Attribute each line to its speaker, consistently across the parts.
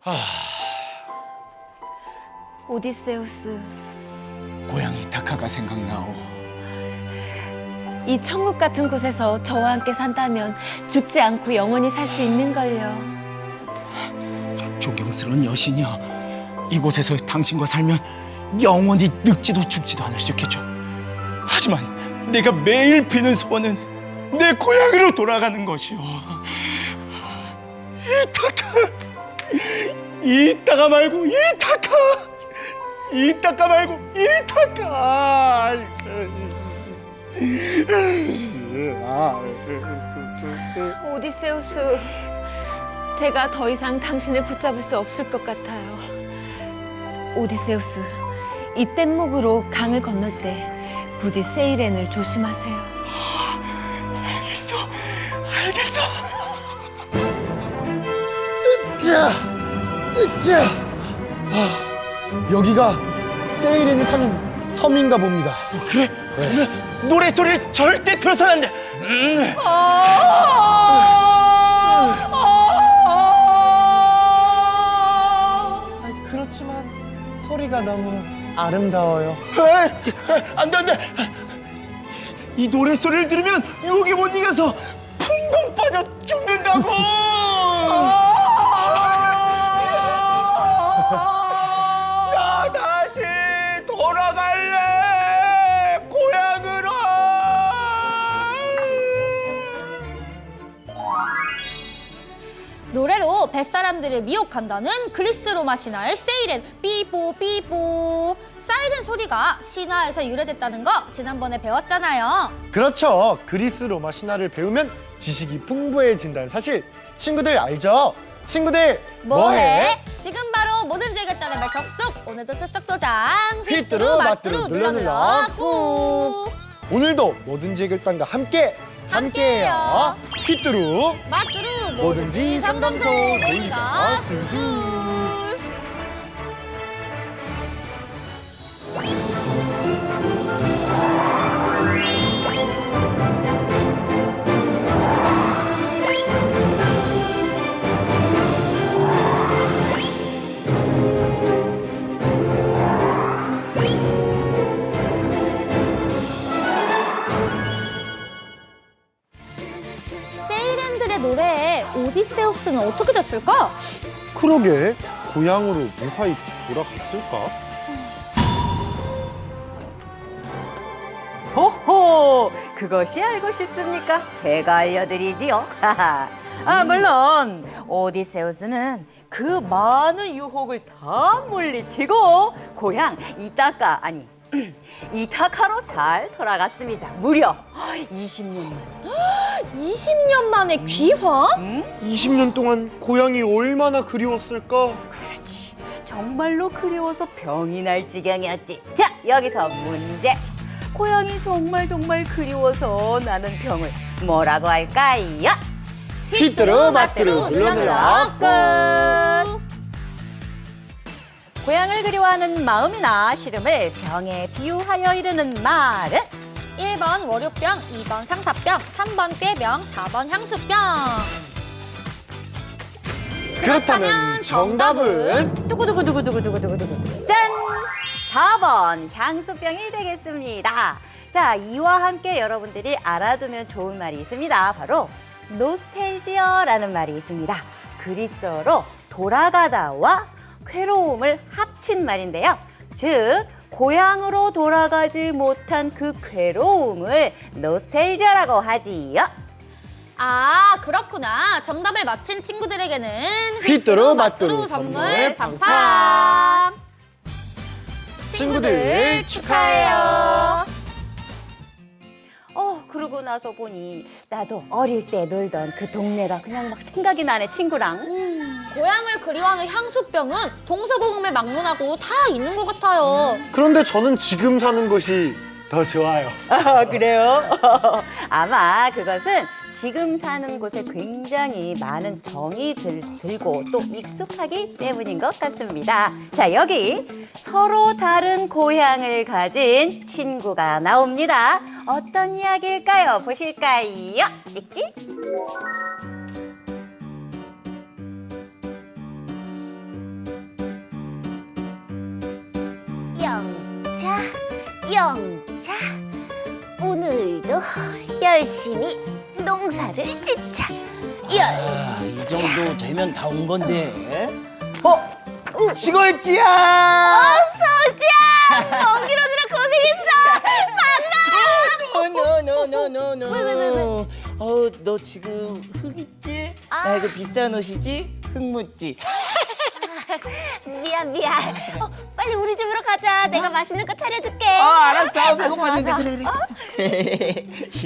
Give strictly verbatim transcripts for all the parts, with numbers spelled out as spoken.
Speaker 1: 오디세우스,
Speaker 2: 고향 이타카가 생각나오.
Speaker 1: 이 천국 같은 곳에서 저와 함께 산다면 죽지 않고 영원히 살 수 있는걸요.
Speaker 2: 저 존경스러운 여신이여, 이곳에서 당신과 살면 영원히 늙지도 죽지도 않을 수 있겠죠. 하지만 내가 매일 비는 소원은 내 고향으로 돌아가는 것이오. 이타카, 이따가 말고 이타카, 이따가 말고 이타카.
Speaker 1: 오디세우스, 제가 더 이상 당신을 붙잡을 수 없을 것 같아요. 오디세우스, 이 뗏목으로 강을 건널 때 부디 세이렌을 조심하세요.
Speaker 2: 알겠어, 알겠어. 으쌰, 으쌰. 아, 여기가 세이렌이 사는 섬인가 봅니다. 어, 그래? 네. 그러면 노래 소리를 절대 들어서는 안 돼. 음.
Speaker 3: 아니, 그렇지만 소리가 너무 아름다워요.
Speaker 2: 에이, 안 돼, 안 돼. 이 노래 소리를 들으면 유혹에 못 이겨서 풍덩 빠져 죽는다고. 나 다시 돌아갈래, 고향으로.
Speaker 4: 노래로 뱃사람들을 미혹한다는 그리스 로마 신화의 세이렌. 삐뽀 삐뽀. 사이렌 소리가 신화에서 유래됐다는 거 지난번에 배웠잖아요.
Speaker 3: 그렇죠. 그리스 로마 신화를 배우면 지식이 풍부해진다는 사실 친구들 알죠? 친구들
Speaker 4: 뭐해? 지금 바로 뭐든지 해결단의 말 접속. 오늘도 출석 도장.
Speaker 3: 휘뚜루 마뚜루 눌러 눌러
Speaker 4: 꾹.
Speaker 3: 오늘도 뭐든지 해결단과 함께 함께해요.
Speaker 4: 함께해요.
Speaker 3: 휘뚜루
Speaker 4: 마뚜루
Speaker 3: 뭐든지 상담소
Speaker 4: 놀이가
Speaker 3: 놀이가
Speaker 4: 술. 세이렌들의 노래에 오디세우스는 어떻게 됐을까?
Speaker 3: 그러게 고향으로 무사히 돌아갔을까?
Speaker 5: 호호! 그것이 알고 싶습니까? 제가 알려드리지요. 아, 물론 오디세우스는 그 많은 유혹을 다 물리치고 고향 이타카, 아니 이타카로 잘 돌아갔습니다. 무려 이십 년 만.
Speaker 4: 이십 년 만에 귀환?
Speaker 3: 이십 년 동안 고향이 얼마나 그리웠을까?
Speaker 5: 그렇지. 정말로 그리워서 병이 날 지경이었지. 자, 여기서 문제. 고향이 정말 정말 그리워서 나는 병을 뭐라고 할까요?
Speaker 3: 휘뚜루 마뚜루 눌러 눌러
Speaker 4: 꾹.
Speaker 5: 고향을 그리워하는 마음이나 시름을 병에 비유하여 이르는 말은?
Speaker 4: 일 번 월요병, 이 번 상사병, 삼 번 꾀병, 사 번 향수병.
Speaker 3: 그렇다면 정답은
Speaker 5: 두구두구두구두구두구두구두구 짠! 사 번 향수병이 되겠습니다. 자, 이와 함께 여러분들이 알아두면 좋은 말이 있습니다. 바로 노스텔지어라는 말이 있습니다. 그리스어로 돌아가다와 괴로움을 합친 말인데요. 즉, 고향으로 돌아가지 못한 그 괴로움을 노스텔지어라고 하지요.
Speaker 4: 아, 그렇구나. 정답을 맞힌 친구들에게는
Speaker 3: 휘뚜루 마뚜루
Speaker 4: 휘뚜루 선물
Speaker 3: 선물
Speaker 4: 팡팡.
Speaker 3: 친구들 축하해요.
Speaker 5: 어, 그러고 나서 보니 나도 어릴 때 놀던 그 동네가 그냥 막 생각이 나네, 친구랑.
Speaker 4: 고향을 그리워하는 향수병은 동서고금을 막론하고 다 있는 것 같아요.
Speaker 3: 그런데 저는 지금 사는 곳이 더 좋아요.
Speaker 5: 아, 그래요? 아마 그것은 지금 사는 곳에 굉장히 많은 정이 들, 들고 또 익숙하기 때문인 것 같습니다. 자, 여기 서로 다른 고향을 가진 친구가 나옵니다. 어떤 이야기일까요? 보실까요? 찍찍.
Speaker 6: 영자, 오늘도 열심히 농사를 짓자. 열.
Speaker 7: 아, 이 정도 되면 다 온 건데. 어? 시골지야!
Speaker 6: 서울지야, 먼길 오느라 고생했어.
Speaker 7: 노노노노노노.
Speaker 6: 왜, 왜, 왜, 왜?
Speaker 7: 어, 너 지금 흙 입지?
Speaker 6: 아.
Speaker 7: 나 이거 비싼 옷이지? 흙 묻지?
Speaker 6: 미안 미안. 어, 빨리 우리 집으로 가자. 내가 맛있는 거 차려줄게.
Speaker 7: 아, 알았어. 배고팠는데 그래 그래.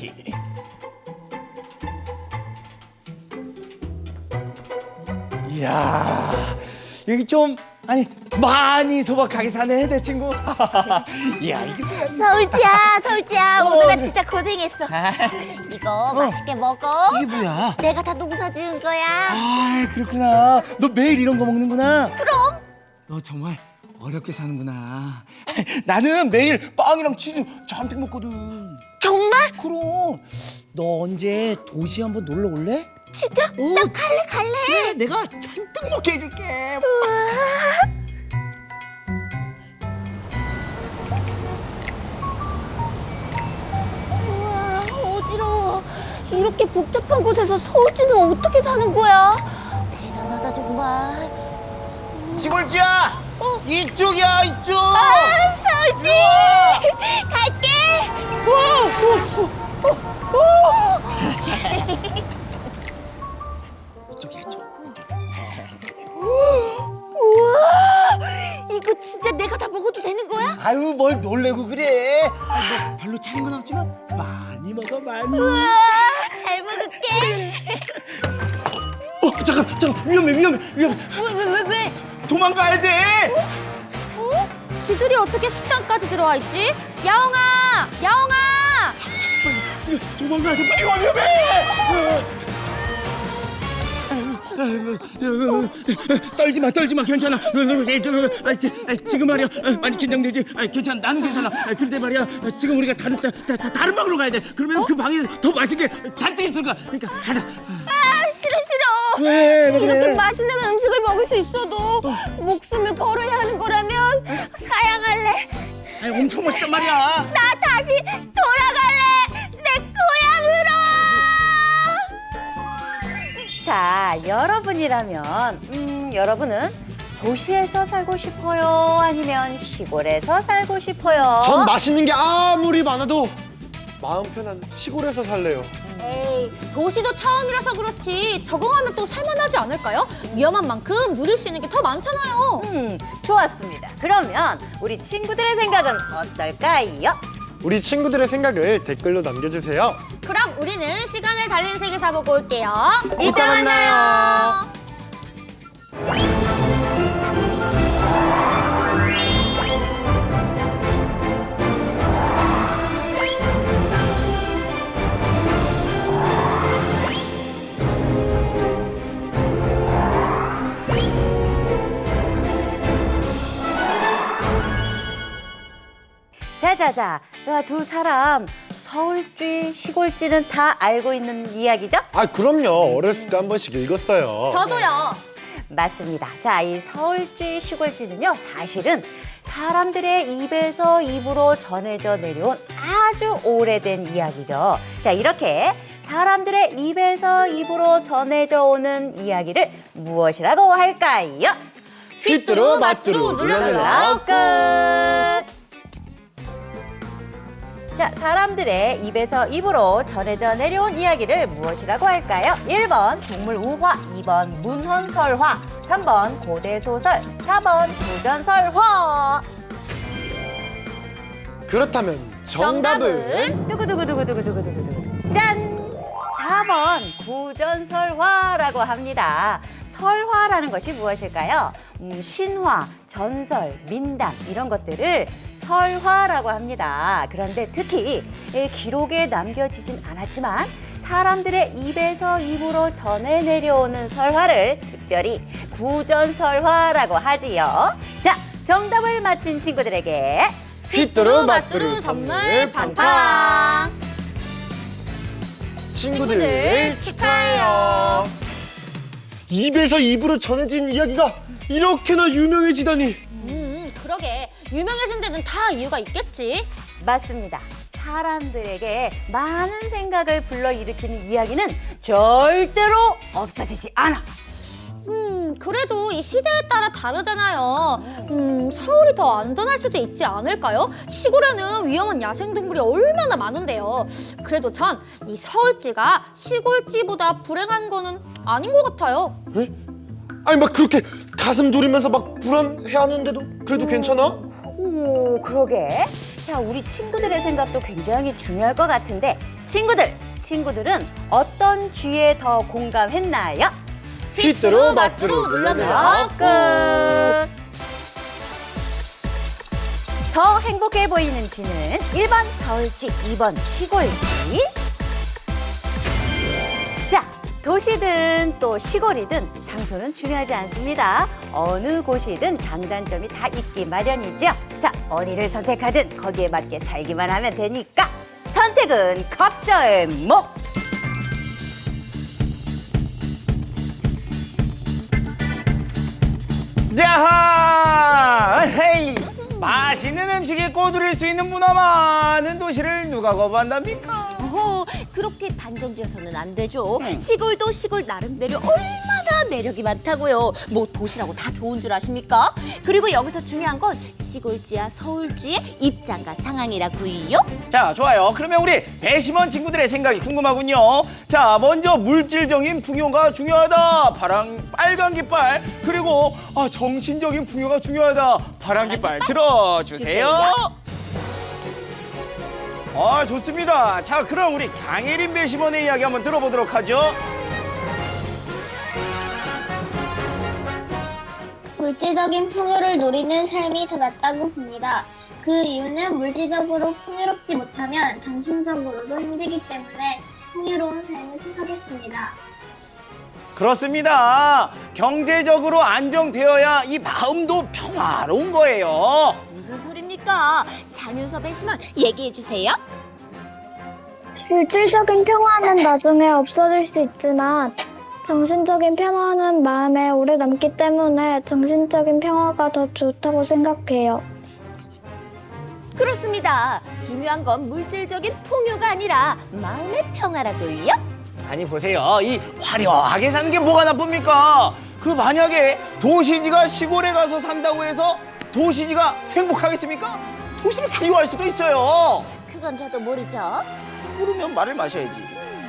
Speaker 7: 이야, 여기 좀 아니 많이 소박하게 사네 내 친구. 이야, 이거
Speaker 6: 서울지야, 서울지야,
Speaker 7: 어,
Speaker 6: 오늘아
Speaker 7: 네.
Speaker 6: 진짜 고생했어.
Speaker 7: 아,
Speaker 6: 이거 맛있게 먹어.
Speaker 7: 이게 뭐야?
Speaker 6: 내가 다 농사 지은 거야.
Speaker 7: 아, 그렇구나. 너 매일 이런 거 먹는구나.
Speaker 6: 그럼.
Speaker 7: 너 정말 어렵게 사는구나. 나는 매일 빵이랑 치즈 잔뜩 먹거든.
Speaker 6: 정말?
Speaker 7: 그럼 너 언제 도시 한번 놀러 올래?
Speaker 6: 진짜?
Speaker 7: 어,
Speaker 6: 나 갈래 갈래.
Speaker 7: 그래, 내가 잔뜩 먹게 해줄게.
Speaker 6: 우와, 어지러워. 이렇게 복잡한 곳에서 서울지는 어떻게 사는 거야? 대단하다 정말.
Speaker 7: 시골지야,
Speaker 6: 어?
Speaker 7: 이쪽이야 이쪽.
Speaker 6: 아, 서울지! 갈게!
Speaker 7: 이쪽이야 이쪽.
Speaker 6: 우와! 이거 진짜 내가 다 먹어도 되는 거야?
Speaker 7: 아유, 뭘 놀래고 그래. 아, 너 별로 차린 건 없지만 많이 먹어 많이.
Speaker 6: 우와! 잘 먹을게.
Speaker 2: 어, 잠깐, 잠깐, 위험해, 위험해, 위험해.
Speaker 6: 왜, 왜, 왜, 왜?
Speaker 2: 도망가야 돼.
Speaker 4: 어? 지들이 어떻게 식당까지 들어와 있지? 야옹아! 야옹아!
Speaker 2: 지금 도망가야 돼. 빨리 와, 위험해. 떨지 마, 떨지 마, 괜찮아. 지금 말이야, 많이 긴장되지. 괜찮아, 나는 괜찮아. 그런데 말이야, 지금 우리가 다른 다, 다, 다른 방으로 가야 돼. 그러면 그 방에 더 맛있는 게 잔뜩 있을 거야. 그러니까 가자.
Speaker 6: 아, 싫어, 싫어.
Speaker 2: 왜, 왜
Speaker 6: 이렇게
Speaker 2: 그래?
Speaker 6: 맛있는 음식을 먹을 수 있어도 목숨을 걸어야 하는 거라면 사양할래.
Speaker 2: 아니, 엄청 맛있단 말이야.
Speaker 6: 나 다시 돌아갈래. 내 고향으로.
Speaker 5: 자, 여러분이라면 음, 여러분은 도시에서 살고 싶어요? 아니면 시골에서 살고 싶어요?
Speaker 3: 전 맛있는 게 아무리 많아도 마음 편한 시골에서 살래요.
Speaker 4: 에이, 도시도 처음이라서 그렇지 적응하면 또 살만하지 않을까요? 위험한 만큼 누릴 수 있는 게 더 많잖아요.
Speaker 5: 음, 좋았습니다. 그러면 우리 친구들의 생각은 어떨까요?
Speaker 3: 우리 친구들의 생각을 댓글로 남겨주세요.
Speaker 4: 그럼 우리는 시간을 달리는 세계사 보고 올게요.
Speaker 5: 이따 만나요. 자자자, 자, 두 사람 서울쥐, 시골쥐는 다 알고 있는 이야기죠?
Speaker 3: 아, 그럼요. 어렸을 때 한 번씩 읽었어요.
Speaker 4: 저도요.
Speaker 5: 맞습니다. 자, 이 서울쥐, 시골쥐는요, 사실은 사람들의 입에서 입으로 전해져 내려온 아주 오래된 이야기죠. 자, 이렇게 사람들의 입에서 입으로 전해져 오는 이야기를 무엇이라고 할까요?
Speaker 3: 휘뚜루 마뚜루 눌러눌러
Speaker 5: 끝! 자, 사람들의 입에서 입으로 전해져 내려온 이야기를 무엇이라고 할까요? 일 번 동물 우화, 이 번 문헌설화, 삼 번 고대소설, 사 번 부전설화.
Speaker 3: 그렇다면 정답은?
Speaker 5: 두구두구두구두구두구두구두구. 짠! 사 번 부전설화라고 합니다. 설화라는 것이 무엇일까요? 음, 신화, 전설, 민담 이런 것들을 설화라고 합니다. 그런데 특히 이 기록에 남겨지진 않았지만 사람들의 입에서 입으로 전해 내려오는 설화를 특별히 구전설화라고 하지요. 자, 정답을 맞힌 친구들에게
Speaker 3: 휘뚜루
Speaker 4: 마뚜루
Speaker 3: 마뚜루
Speaker 4: 선물 팡팡.
Speaker 3: 친구들 축하해요. 입에서 입으로 전해진 이야기가 이렇게나 유명해지다니.
Speaker 4: 음, 그러게. 유명해진 데는 다 이유가 있겠지.
Speaker 5: 맞습니다. 사람들에게 많은 생각을 불러일으키는 이야기는 절대로 없어지지 않아.
Speaker 4: 음, 그래도 이 시대에 따라 다르잖아요. 음, 서울이 더 안전할 수도 있지 않을까요? 시골에는 위험한 야생동물이 얼마나 많은데요. 그래도 전 이 서울지가 시골지보다 불행한 거는 아닌 것 같아요.
Speaker 3: 에? 아니 막 그렇게 가슴 졸이면서 막 불안해하는데도 그래도 괜찮아?
Speaker 5: 오, 그러게. 자, 우리 친구들의 생각도 굉장히 중요할 것 같은데 친구들, 친구들은 어떤 주에 더 공감했나요?
Speaker 3: 휘뚜루
Speaker 4: 마뚜루 눌러주세요.
Speaker 5: 아, 끝. 더 행복해 보이는 지는 일 번 서울지, 이 번 시골지. 자, 도시든 또 시골이든 장소는 중요하지 않습니다. 어느 곳이든 장단점이 다 있기 마련이죠. 자, 어디를 선택하든 거기에 맞게 살기만 하면 되니까 선택은 각자의 몫!
Speaker 7: 야하! 헤이! 맛있는 음식에 꼬드릴 수 있는 문화 많은 도시를 누가 거부한답니까?
Speaker 6: 어, 그렇게 단정지어서는 안 되죠. 시골도 시골 나름대로 얼마나 매력이 많다고요. 뭐 도시라고 다 좋은 줄 아십니까? 그리고 여기서 중요한 건 시골지와 서울지의 입장과 상황이라고요.
Speaker 7: 자, 좋아요. 그러면 우리 배심원 친구들의 생각이 궁금하군요. 자, 먼저 물질적인 풍요가 중요하다. 파랑, 빨간 깃발. 그리고 아, 정신적인 풍요가 중요하다. 파란 깃발 들어주세요. 아, 좋습니다. 자, 그럼 우리 강혜린 배심원의 이야기 한번 들어보도록 하죠.
Speaker 8: 물질적인 풍요를 누리는 삶이 더 낫다고 봅니다. 그 이유는 물질적으로 풍요롭지 못하면 정신적으로도 힘들기 때문에 풍요로운 삶을 택하겠습니다.
Speaker 7: 그렇습니다. 경제적으로 안정되어야 이 마음도 평화로운 거예요.
Speaker 6: 무슨 소립니까? 장윤서 배심원 얘기해 주세요.
Speaker 8: 물질적인 평화는 나중에 없어질 수 있지만 정신적인 평화는 마음에 오래 남기 때문에 정신적인 평화가 더 좋다고 생각해요.
Speaker 6: 그렇습니다. 중요한 건 물질적인 풍요가 아니라 마음의 평화라고요.
Speaker 7: 아니 보세요. 이 화려하게 사는 게 뭐가 나쁩니까? 그 만약에 도시지가 시골에 가서 산다고 해서 도시지가 행복하겠습니까? 도시를 그리워할 수도 있어요.
Speaker 6: 그건 저도 모르죠.
Speaker 7: 모르면 말을 마셔야지.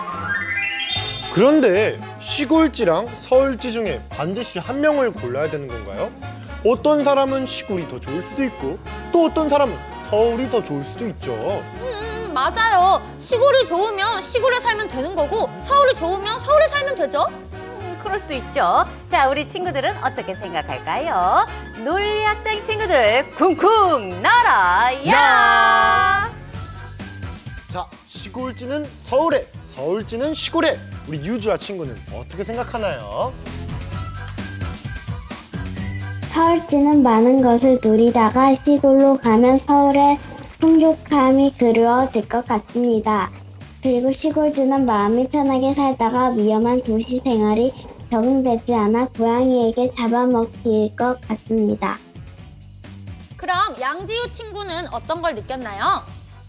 Speaker 3: 그런데 시골지랑 서울지 중에 반드시 한 명을 골라야 되는 건가요? 어떤 사람은 시골이 더 좋을 수도 있고 또 어떤 사람은 서울이 더 좋을 수도 있죠.
Speaker 4: 음, 맞아요. 시골이 좋으면 시골에 살면 되는 거고 서울이 좋으면 서울에 살면 되죠.
Speaker 5: 음, 그럴 수 있죠. 자, 우리 친구들은 어떻게 생각할까요? 논리학당 친구들 쿵쿵 날아야!
Speaker 3: 야! 자, 시골지는 서울에, 서울지는 시골에. 우리 유주와 친구는 어떻게 생각하나요?
Speaker 8: 서울지는 많은 것을 누리다가 시골로 가면 서울의 풍족함이 그리워질 것 같습니다. 그리고 시골지는 마음이 편하게 살다가 위험한 도시 생활이 적응되지 않아 고양이에게 잡아먹힐 것 같습니다.
Speaker 4: 그럼 양지우 친구는 어떤 걸 느꼈나요?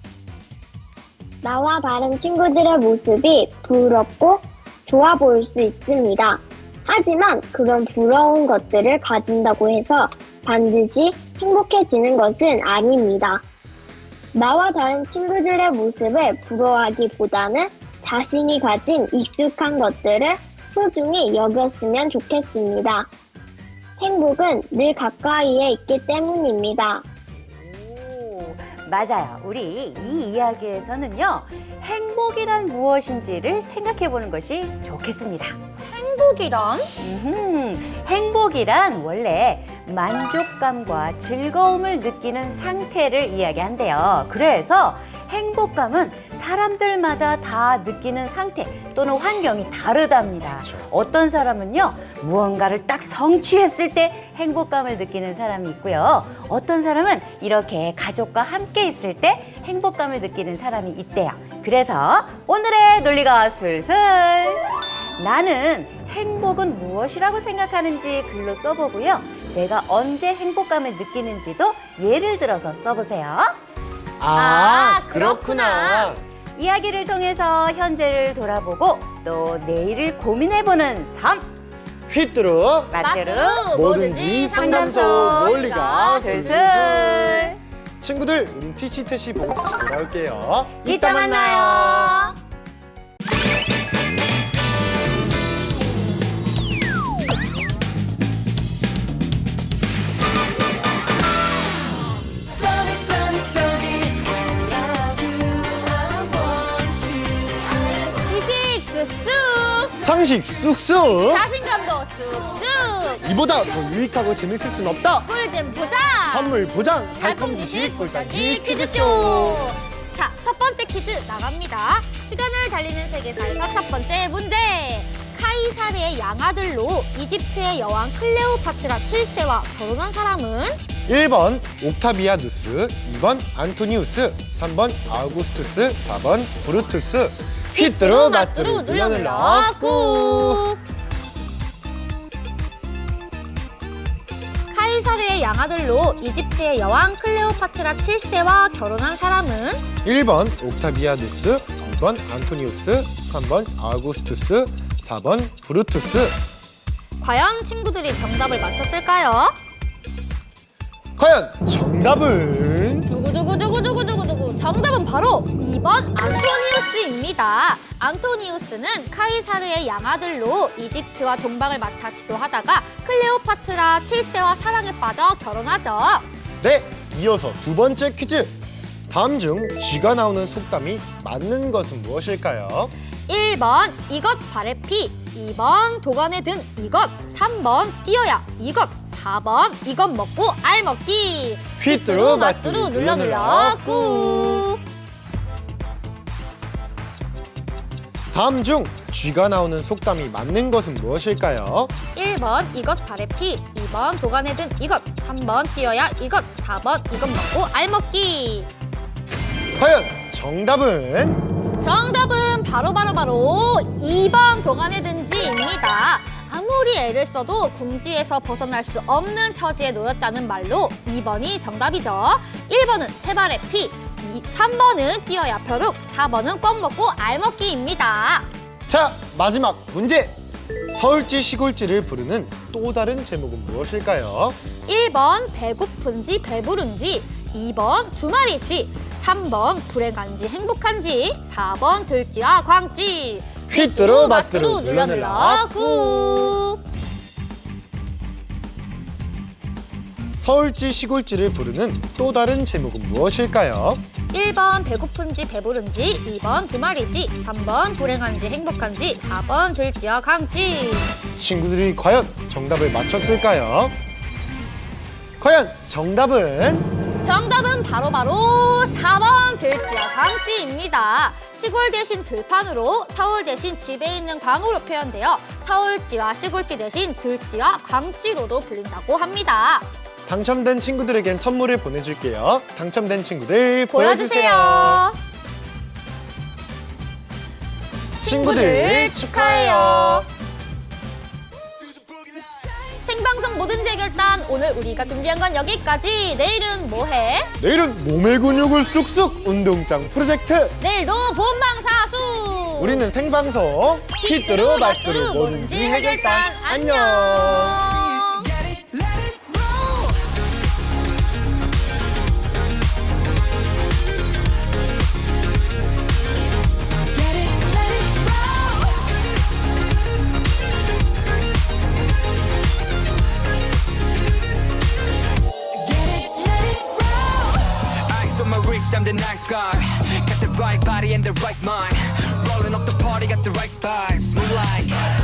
Speaker 8: 나와 다른 친구들의 모습이 부럽고 좋아 보일 수 있습니다. 하지만 그런 부러운 것들을 가진다고 해서 반드시 행복해지는 것은 아닙니다. 나와 다른 친구들의 모습을 부러워하기보다는 자신이 가진 익숙한 것들을 소중히 여겼으면 좋겠습니다. 행복은 늘 가까이에 있기 때문입니다.
Speaker 5: 오, 맞아요. 우리 이 이야기에서는요, 행복이란 무엇인지를 생각해 보는 것이 좋겠습니다.
Speaker 4: 행복이란?
Speaker 5: 음흠, 행복이란 원래 만족감과 즐거움을 느끼는 상태를 이야기한대요. 그래서 행복감은 사람들마다 다 느끼는 상태 또는 환경이 다르답니다.
Speaker 3: 그렇죠.
Speaker 5: 어떤 사람은요, 무언가를 딱 성취했을 때 행복감을 느끼는 사람이 있고요. 어떤 사람은 이렇게 가족과 함께 있을 때 행복감을 느끼는 사람이 있대요. 그래서 오늘의 논리가 술술! 나는 행복은 무엇이라고 생각하는지 글로 써보고요. 내가 언제 행복감을 느끼는지도 예를 들어서 써보세요.
Speaker 3: 아,
Speaker 4: 아,
Speaker 3: 그렇구나.
Speaker 5: 이야기를 통해서 현재를 돌아보고 또 내일을 고민해보는 삶.
Speaker 3: 휘뚜루
Speaker 5: 마트로
Speaker 3: 뭐든지 상담소 논리가
Speaker 5: 슬슬.
Speaker 3: 친구들, 우린 티시태시 보고 다시 돌아올게요.
Speaker 5: 이따 만나요.
Speaker 4: 지식 쑥쑥,
Speaker 3: 상식 쑥쑥.
Speaker 4: 자신감도 쑥쑥,
Speaker 3: 이보다 더 유익하고 재밌을 순 없다.
Speaker 4: 꿀잼 보자.
Speaker 3: 선물 보장.
Speaker 4: 달콤 지식 꿀단지 퀴즈쇼. 자, 첫 번째 퀴즈 나갑니다. 시간을 달리는 세계사에서 첫 번째 문제. 카이사르의 양아들로 이집트의 여왕 클레오파트라 칠 세와 결혼한 사람은?
Speaker 3: 일 번 옥타비아누스, 이 번 안토니우스, 삼 번 아우구스투스, 사 번 브루투스. 휘뚜루 마뚜루 눌러 눌러 꾹.
Speaker 4: 카이사르의 양아들로 이집트의 여왕 클레오파트라 칠 세와 결혼한 사람은?
Speaker 3: 일 번 옥타비아누스, 이 번 안토니우스, 삼 번 아우구스투스, 사 번 브루투스.
Speaker 4: 과연 친구들이 정답을 맞췄을까요?
Speaker 3: 과연 정답은?
Speaker 4: 두구두구두구두구두구두구. 정답은 바로 이 번 안토니우스입니다. 안토니우스는 카이사르의 양아들로 이집트와 동방을 맡아 지도하다가 클레오파트라 칠 세와 사랑에 빠져 결혼하죠.
Speaker 3: 네, 이어서 두 번째 퀴즈. 다음 중 쥐가 나오는 속담이 맞는 것은 무엇일까요?
Speaker 4: 일 번 이것 발에 피, 이 번 도관에 든 이것, 삼 번 뛰어야 이것, 사 번 이것 먹고 알 먹기.
Speaker 3: 휘뚜루
Speaker 4: 마뚜루 눌러 눌러 꾹.
Speaker 3: 다음 중 쥐가 나오는 속담이 맞는 것은 무엇일까요?
Speaker 4: 일 번 이것 발에 피, 이 번 도관에 든 이것, 삼 번 뛰어야 이것, 사 번 이것 먹고 알 먹기.
Speaker 3: 과연 정답은?
Speaker 4: 정답은 바로 바로 바로 이 번 도관에 든지입니다. 아무리 애를 써도 궁지에서 벗어날 수 없는 처지에 놓였다는 말로 이 번이 정답이죠. 일 번은 세 발의 피, 삼 번은 뛰어야 벼룩, 사 번은 꼭 먹고 알 먹기입니다.
Speaker 3: 자, 마지막 문제. 서울지 시골지를 부르는 또 다른 제목은 무엇일까요?
Speaker 4: 일 번 배고픈지 배부른지, 이 번 두 마리 쥐, 삼 번 불행한지 행복한지, 사 번 들쥐와 광쥐.
Speaker 3: 휘뚜루 마뚜루
Speaker 4: 눌러 눌러 꾹.
Speaker 3: 서울지 시골지를 부르는 또 다른 제목은 무엇일까요?
Speaker 4: 일 번 배고픈지 배부른지, 이 번 두 마리지, 삼 번 불행한지 행복한지, 사 번 들쥐와 광쥐.
Speaker 3: 친구들이 과연 정답을 맞췄을까요? 과연 정답은?
Speaker 4: 정답은 바로바로 사 번 들쥐와 광쥐입니다. 시골 대신 들판으로, 서울 대신 집에 있는 광으로 표현되어 서울쥐와 시골쥐 대신 들쥐와 광쥐로도 불린다고 합니다.
Speaker 3: 당첨된 친구들에겐 선물을 보내줄게요. 당첨된 친구들
Speaker 4: 보여주세요.
Speaker 3: 보여주세요. 친구들 축하해요.
Speaker 4: 생방송 뭐든지 해결단, 오늘 우리가 준비한 건 여기까지. 내일은 뭐해?
Speaker 3: 내일은 몸의 근육을 쑥쑥 운동장 프로젝트.
Speaker 4: 내일도 본방사수.
Speaker 3: 우리는 생방송 휘뚜루 마뚜루 뭐든지 해결단. 안녕.
Speaker 9: I'm the nice guy. Got the right body and the right mind. Rolling up the party, got the right vibes. Move like